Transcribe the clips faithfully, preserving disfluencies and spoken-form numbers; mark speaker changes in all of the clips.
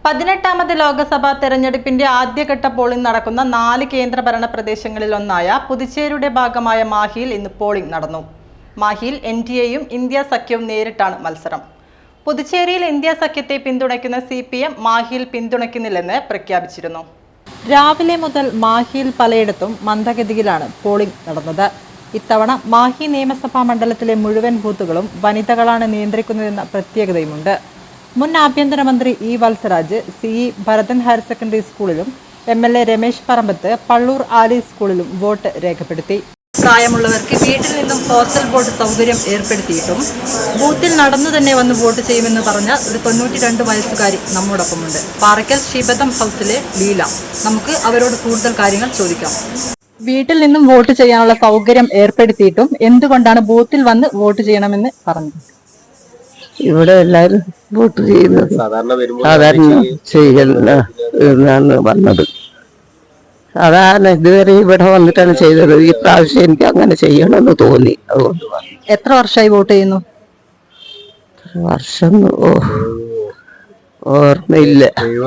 Speaker 1: പതിനെട്ടാമത് ലോക്സഭാ തെരഞ്ഞെടുപ്പിന്റെ ആദ്യഘട്ട പോളിംഗ് നടക്കുന്ന നാല് കേന്ദ്രഭരണ പ്രദേശങ്ങളിൽ ഒന്നായ പുതുച്ചേരിയുടെ ഭാഗമായ മാഹിയിൽ ഇന്ന് പോളിംഗ് നടന്നു. മാഹിയിൽ എൻ ഡി എയും ഇന്ത്യ സഖ്യവും നേരിട്ടാണ് മത്സരം. പുതുച്ചേരിയിൽ ഇന്ത്യ സഖ്യത്തെ പിന്തുണയ്ക്കുന്ന സി പി എം മാഹിയിൽ പിന്തുണയ്ക്കുന്നില്ലെന്ന് പ്രഖ്യാപിച്ചിരുന്നു. രാവിലെ മുതൽ മാഹിയിൽ പലയിടത്തും മന്ദഗതിയിലാണ് പോളിംഗ് നടന്നത്. ഇത്തവണ മാഹി നിയമസഭാ മണ്ഡലത്തിലെ മുഴുവൻ ബൂത്തുകളും വനിതകളാണ് നിയന്ത്രിക്കുന്നതെന്ന പ്രത്യേകതയുമുണ്ട്. മുൻ ആഭ്യന്തരമന്ത്രി E Valsaraj C E Bharathan higher secondary സ്കൂളിലും M L A Ramesh Parambath Pallur Ali സ്കൂളിലും വോട്ട് രേഖപ്പെടുത്തി. പ്രായമുള്ളവർക്ക് വീട്ടിൽ നിന്നും പോസ്റ്റൽ വോട്ട് സൗകര്യം ഏർപ്പെടുത്തിയിട്ടും ബൂത്തിൽ നടന്നു തന്നെ വന്ന് വോട്ട് ചെയ്യുമെന്ന് പറഞ്ഞ ഒരു തൊണ്ണൂറ്റി രണ്ട് വയസ്സുകാരി നമ്മോടൊപ്പമുണ്ട്. പാറയ്ക്കൽ ശിബദം ഹൗസിലെ ലീല. നമുക്ക് അവരോട് കൂടുതൽ കാര്യങ്ങൾ ചോദിക്കാം. വീട്ടിൽ നിന്നും വോട്ട് ചെയ്യാനുള്ള സൗകര്യം ഏർപ്പെടുത്തിയിട്ടും എന്തുകൊണ്ടാണ് ബൂത്തിൽ വന്ന് വോട്ട് ചെയ്യണമെന്ന് പറഞ്ഞത്?
Speaker 2: ഇവിടെ എല്ലാരും വോട്ട് ചെയ്യുന്നത് സാധാരണ ചെയ്യലാണ് വന്നത്. സാധാരണ ഇതുവരെ ഇവിടെ വന്നിട്ടാണ് ചെയ്തത്. ഈ പ്രാവശ്യം എനിക്ക് അങ്ങനെ ചെയ്യണമെന്ന് തോന്നി. അതുകൊണ്ട്
Speaker 1: എത്ര വർഷമായി വോട്ട് ചെയ്യുന്നു?
Speaker 2: വർഷം ഓ ഓർമ്മയില്ല.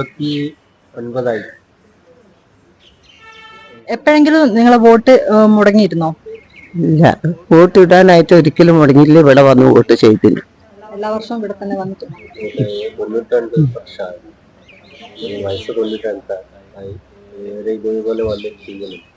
Speaker 1: എപ്പോഴെങ്കിലും നിങ്ങളെ വോട്ട് മുടങ്ങിയിരുന്നോ?
Speaker 2: ഇല്ല, വോട്ട് ഇടാനായിട്ട് ഒരിക്കലും മുടങ്ങിയില്ല. ഇവിടെ വന്ന് വോട്ട് ചെയ്തില്ല.
Speaker 1: എല്ലാ വർഷവും ഇവിടെ തന്നെ വന്നിട്ടുണ്ട്.
Speaker 3: വയസ്സ് തൊണ്ണൂറ്റി രണ്ടായി ഇതുപോലെ വന്ന് ചെയ്യുന്നു.